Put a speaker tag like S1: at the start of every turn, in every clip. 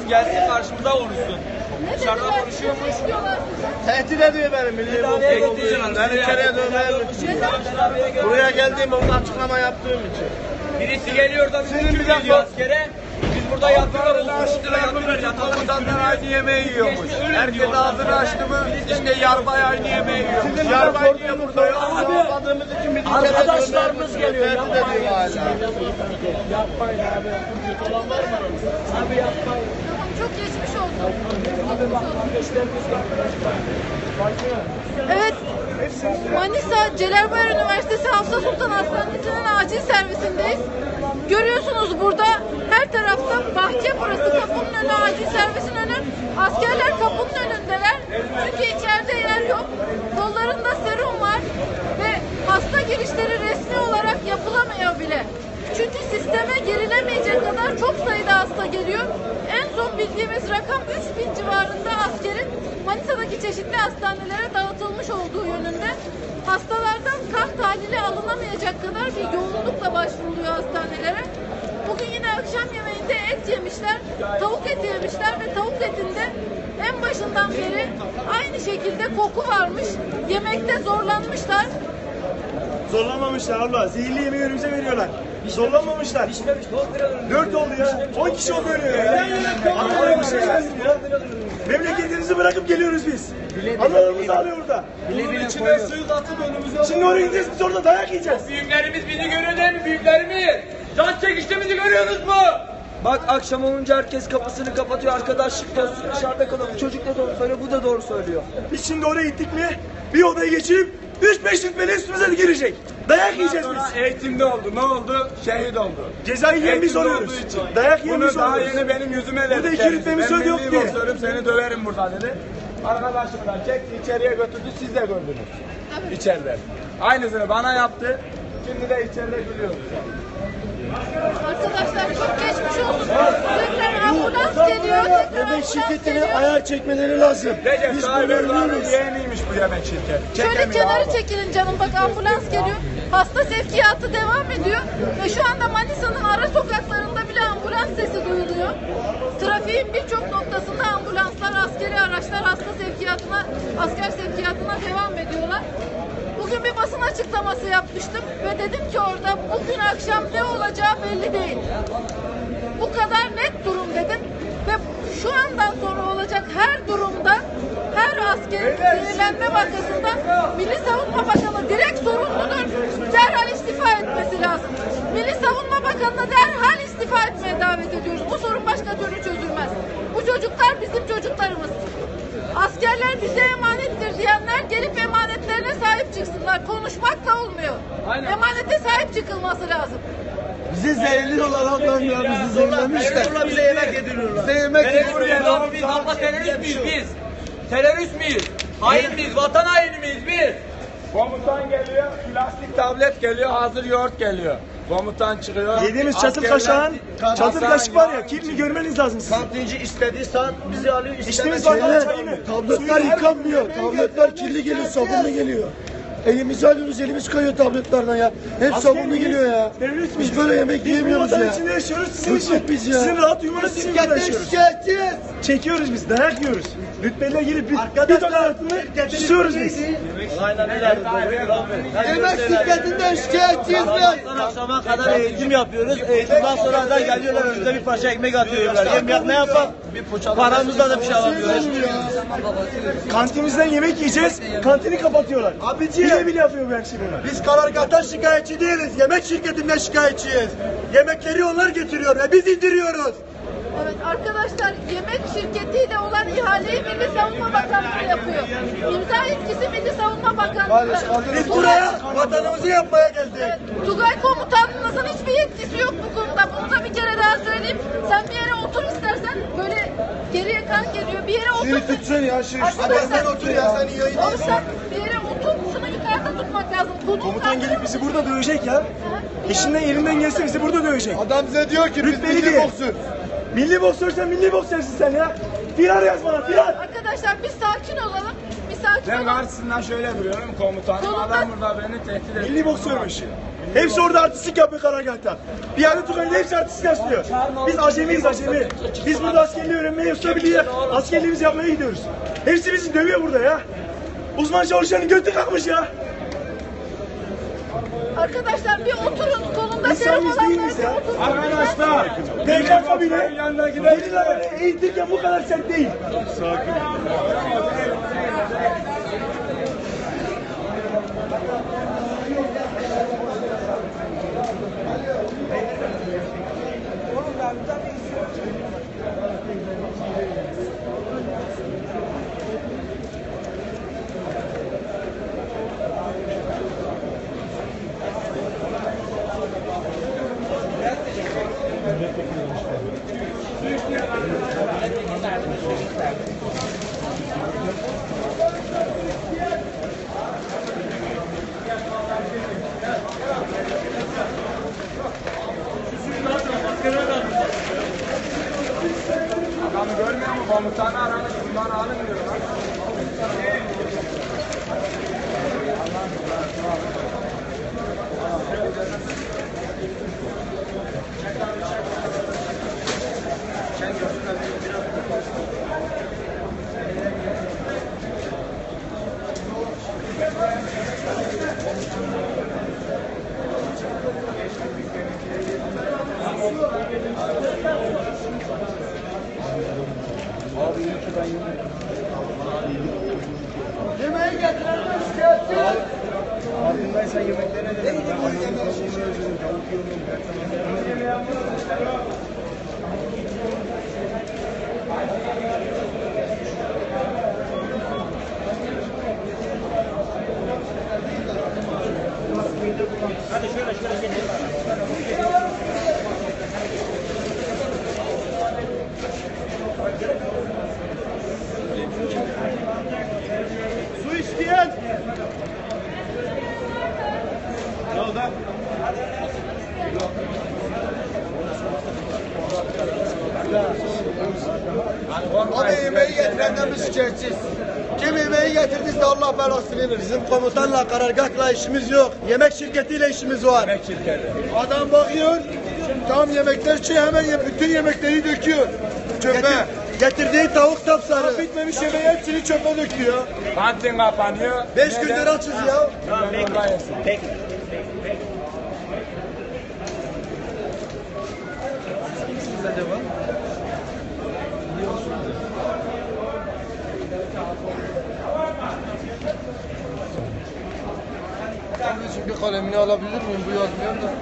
S1: gelsin karşımıza konuşsun. Dışarıda konuşuyormuş.
S2: Tehdit ediyor beni milli boks. Beni içeriye dövmeye. Buraya geldiğim orada açıklama yaptığım için.
S1: Birisi geliyor da bizi gidiyor askere. Biz burada yatıyoruz.
S2: Komutanlar aynı yemeği yiyormuş. Herkes ağzını açtı mı işte yarbay aynı yemeği yiyormuş. Yarbay niye burada yok? Anlamadığımız için bizi
S3: Arkadaşlarımız geliyor.
S2: Tehdit ediyor hala.
S3: Yapmayın abi. Abi yapmayın.
S4: Çok geçmiş olsun. Evet, Manisa Celalbayar Üniversitesi Hafsa Sultan Hastanesi'nin acil servisindeyiz. Görüyorsunuz burada her tarafta bahçe, burası kapının önü, acil servisin önü. Askerler kapının önündeler. Çünkü içeride yer yok. Kollarında serum var ve hasta girişleri resmi olarak yapılamıyor bile. Çünkü sisteme girilemeyecek kadar çok sayıda hasta geliyor. En son bildiğimiz rakam 3000 civarında askerin Manisa'daki çeşitli hastanelere dağıtılmış olduğu yönünde. Hastalardan kan tahlili alınamayacak kadar bir yoğunlukla başvuruluyor hastanelere. Bugün yine akşam yemeğinde et yemişler, tavuk eti yemişler ve tavuk etinde en başından beri aynı şekilde koku varmış. Yemekte zorlanmışlar.
S5: Zorlamamışlar abla. Zehirli yemeği önümüze veriyorlar. Zorlamamışlar. 4 oldu ya. 10 kişi oldu ölüyor ya. Memleketimizi bırakıp geliyoruz biz. Analarımız ağlıyor orada.
S1: Bunun içine suyu atıp önümüze.
S5: Şimdi oraya gideceğiz, biz orada dayak yiyeceğiz.
S1: Büyüklerimiz bizi görüyor değil mi? Büyüklerimiz. Can çekiştiğimizi görüyorsunuz mu?
S3: Bak akşam olunca herkes kapısını kapatıyor. Arkadaşlık da olsun, dışarıda kalalım. Çocuk da doğru söylüyor, bu da doğru söylüyor.
S5: Biz şimdi oraya gittik mi bir odaya geçirip 3-5 rütbeli üstümüze de girecek. Dayak yiyeceğiz biz.
S1: Eğitimde oldu. Ne oldu? Şehit oldu.
S5: Cezayı yiyen biz oluyoruz. Dayak yiyen biz
S1: Bunu daha
S5: oluyoruz.
S1: yeni benim yüzüme dedi.
S5: Burada 2
S1: kendisi.
S5: rütbemiz
S1: Ben
S5: söz yok
S1: milli
S5: diye.
S1: boksörüm, seni döverim burada dedi. Arkadaşımdan çekti içeriye götürdü. Siz de gördünüz. İçeride. Aynısını bana yaptı. Şimdi de içeride gülüyoruz.
S4: Arkadaşlar çok geçmiş olsun. Tekrar ambulans geliyor. Tekrar
S5: Yemek
S4: ambulans
S5: şirketine
S4: geliyor.
S5: ayar çekmeleri lazım.
S1: Recep
S5: Biz
S1: Tayyip
S5: bunu
S1: Erdoğan'ın
S5: ölüyoruz.
S1: yeğeniymiş bu yemek şirketi.
S4: Şöyle
S1: Çekemiyor
S4: kenara
S1: abi.
S4: çekilin canım, bak ambulans geliyor. Hasta sevkiyatı devam ediyor ve şu anda Manisa'nın ara sokaklarında bile ambulans sesi duyuluyor. Trafiğin birçok noktasında ambulanslar, askeri araçlar asker sevkiyatına devam ediyorlar. Bugün bir basın açıklaması yapmıştım ve dedim ki orada bugün akşam ne olacağı belli değil. Bu kadar net durum dedim ve şu andan sonra olacak her durumda her askerin zehirlenme vakasında Milli Savunma Bakanı direkt sorumludur. Derhal istifa etmesi lazım. Milli Savunma Bakanı'na derhal istifa etmeye davet ediyoruz. Bu sorun başka türlü çözülmez. Bu çocuklar bizim çocuklarımız. Askerler bize emanettir diyenler gelip emanetlerine sahip çıksınlar. Konuşmakla olmuyor.
S1: Aynen.
S4: Emanete sahip çıkılması lazım.
S5: Bizi zehirli dolar ya bizi zehirlemişler.
S2: Bize yemek yediriyorlar.
S5: Bize yemek
S1: Abi biz abla terörist miyiz biz? Terörist miyiz? Hain miyiz? Vatan haini miyiz biz? Komutan geliyor, plastik tablet geliyor, hazır yoğurt geliyor. Komutan çıkıyor.
S5: Yediğimiz çatır
S1: askerler-
S5: kaşığın, çatır
S1: Hasan
S5: kaşık var ya,
S1: yağın
S5: kirli görmeniz lazım sizin.
S2: Kantinci istediği saat bizi alıyor.
S5: İçtiğimiz bardağı çayını.
S6: Tabletler yıkanmıyor. Tabletler kirli geliyor, sabunlu geliyor. Elimizi alıyoruz, elimiz kayıyor tabletlerden ya. Hep sabunlu geliyor ya.
S5: Terörist
S6: Biz böyle yemek yiyemiyoruz
S5: Biz bu
S6: ya.
S5: vatan içinde yaşıyoruz, sizin
S6: Bıktık
S5: için.
S6: biz ya.
S5: Sizin rahat uyumanız için burada yaşıyoruz.
S6: Şikayetçiyiz.
S5: Çekiyoruz biz, dayak yiyoruz. Rütbeliler gelip bir ton altında susuyoruz biz.
S2: Aynen öyle.
S6: Yemek şirketinden şikayetçiyiz biz.
S2: Akşama kadar eğitim yapıyoruz. Eğitimden sonra da geliyorlar önümüze bir parça ekmek atıyorlar. Ne yapalım? Paramızla da bir şey alamıyoruz.
S5: Kantinimizden yemek yiyeceğiz, kantini kapatıyorlar.
S6: Abiciğim.
S5: Bile yapıyor bu her şey bunlar.
S6: Biz karargahtan şikayetçi değiliz. Yemek şirketinden şikayetçiyiz. Yemekleri onlar getiriyor ve biz indiriyoruz.
S4: Evet arkadaşlar, yemek şirketiyle olan ihaleyi Milli Savunma Bakanlığı yapıyor. İmza yetkisi Milli Savunma Bakanlığı.
S6: Biz buraya vatanımızı yapmaya geldik.
S4: Evet, Tugay komutanınızın hiçbir yetkisi yok bu konuda. Bunu da bir kere daha söyleyeyim. Sen bir yere otur istersen, böyle geriye kan geliyor. Bir yere otur.
S6: Şunu tutsana ya şu
S4: Arkadaşlar,
S6: sen otur ya sen iyi
S4: oğlum sen bir yere otur. Şunu yukarıda tutmak lazım.
S5: Komutan gelip bizi burada dövecek ya. Eşinden elinden gelse bizi burada dövecek.
S6: Adam bize diyor ki biz
S5: Rütbeli
S6: milli
S5: diye.
S6: boksör.
S5: Milli boksörsen milli boksörsün sen ya. Firar yaz bana, firar.
S4: Arkadaşlar bir sakin olalım. Bir sakin
S1: Ben
S4: olalım.
S1: karşısından şöyle duruyorum komutanım.
S4: Solunda-
S1: Adam burada beni tehdit ediyor.
S5: Milli boksörmüş. Hepsi orada artistlik yapıyor karargahta. Piyade Tugay'da hepsi artistlik yapıyor. Biz acemiyiz, acemi. Biz burada askerliği öğrenmeye yoksa bile askerliğimizi yapmaya gidiyoruz. Hepsi bizi dövüyor burada ya. Uzman çalışanın götü kalkmış ya.
S4: Arkadaşlar bir oturun. Kolunda
S5: İnsan
S4: telefon
S5: biz değil
S4: olanlar
S5: miyiz
S4: bir
S5: ya?
S4: otursun.
S1: Arkadaşlar.
S5: PKK bile
S1: yanına gidelim.
S5: gerillaları eğitirken bu kadar sert değil.
S1: Adamı görmüyor mu? Komutanı aramış. Bundan alın diyorlar.
S5: Farkındaysan yemeklerine de su isteyen. Ne oldu?
S2: Abi yemeği getirenden biz şikayetçiyiz. Kim yemeği getirdiyse Allah belasını verir. Bizim komutanla, karargahla işimiz yok. Yemek şirketiyle işimiz var.
S1: Yemek şirketi.
S6: Adam bakıyor, tam yemekler şey hemen bütün yemekleri döküyor. Çöpe.
S2: Getirdiği tavuk sapsarı.
S6: Bitmemiş yemeği hepsini çöpe döküyor.
S1: Kantin kapanıyor.
S2: 5 gündür açız ya.
S6: Kardeşim bir kalemini alabilir miyim? Bu yazmıyor da.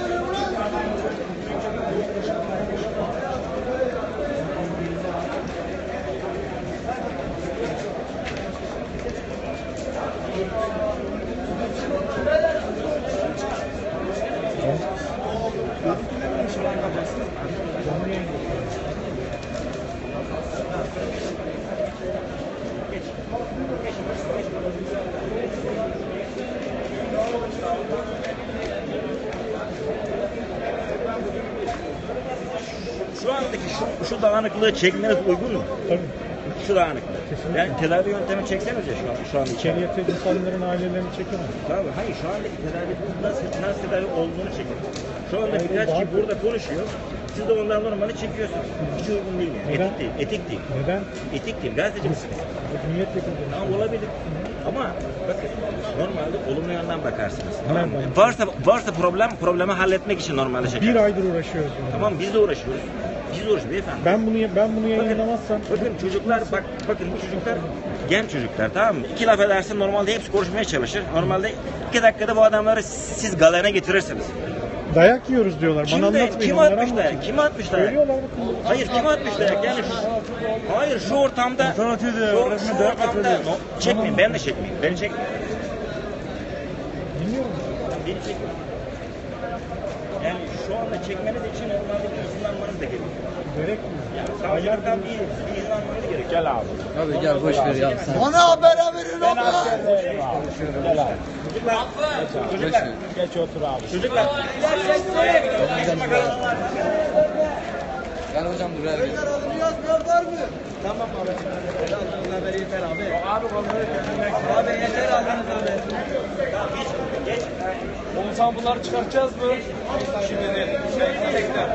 S7: Şu andaki şu dağınıklığı çekmeniz uygun mu? Tabii. Şu dağınıklığı. Yani tedavi yöntemi çekseniz ya şu an için.
S8: İçeriye insanların ailelerini çekemez.
S7: Tabii hayır şu andaki tedavi nasıl tedavi olduğunu çekin. Şu andaki ilaç ki burada konuşuyor. Siz de ondan normali çekiyorsunuz. Hiç uygun değil yani.
S8: Neden?
S7: Etik değil. Etik değil.
S8: Neden?
S7: Etik değil. Gazeteci misiniz?
S8: Milletvekili.
S7: Tamam olabilir. Ama bakın normalde olumlu yönden bakarsınız. Tamam mı?
S8: Nereden?
S7: Varsa problemi halletmek için normalde çeker.
S8: Bir aydır uğraşıyoruz. bununla.
S7: Tamam biz de uğraşıyoruz. Biz de uğraşıyoruz beyefendi.
S8: Ben bunu yayınlamazsam
S7: Bakın çocuklar bakın bu çocuklar genç çocuklar tamam mı? İki laf edersin normalde hepsi konuşmaya çalışır. Normalde 2 dakikada bu adamları siz galene getirirsiniz.
S8: dayak yiyoruz diyorlar. Bana anlatmayın.
S7: Kim
S8: onlara
S7: atmış
S8: anlatın.
S7: dayak? Kim atmış dayak?
S8: Söylüyorlar bakın.
S7: Hayır kim atmış dayak? Yani hayır şu ortamda şu ortamda çekmeyin ben de çekmeyeyim. Beni çekmeyin.
S8: Dinliyorum.
S7: Beni çekmeyin. Yani şu anda çekmeniz için normalde bir izin almanız da gerekiyor.
S8: Gerekmiyor.
S7: Yani savcılardan bir izin almanız gerekiyor. Gel abi.
S6: Abi gel boş ver ya sen.
S2: Bana haber verin abi.
S7: Çocuklar.
S1: Geç otur abi.
S7: Çocuklar.
S6: Gel hocam dur.
S2: Yazmıyor var mı?
S3: Tamam abicim. Aldığınız haber yeter abi. Abi yeter aldığınız haber.
S1: Oğuzhan bunları çıkartacağız mı? Şimdi değil. Tekrar.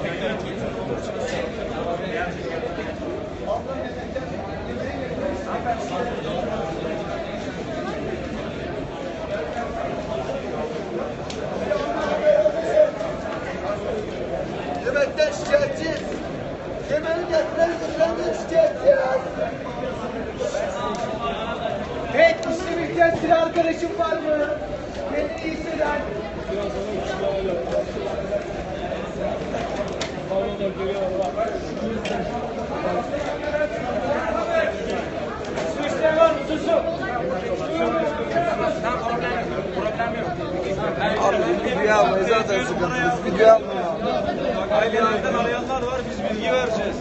S2: Yemekten şikayetçiyiz. Yemeği getiren götürenden şikayetçiyiz.
S3: Hey işlem ihtiyaçlı arkadaşım var mı? Kendini iyi hisseden. Su isteyen var mı? Su.
S2: Abi video almayı zaten sıkıntımız. Video almayı.
S1: Ailelerden arayanlar var, biz bilgi vereceğiz.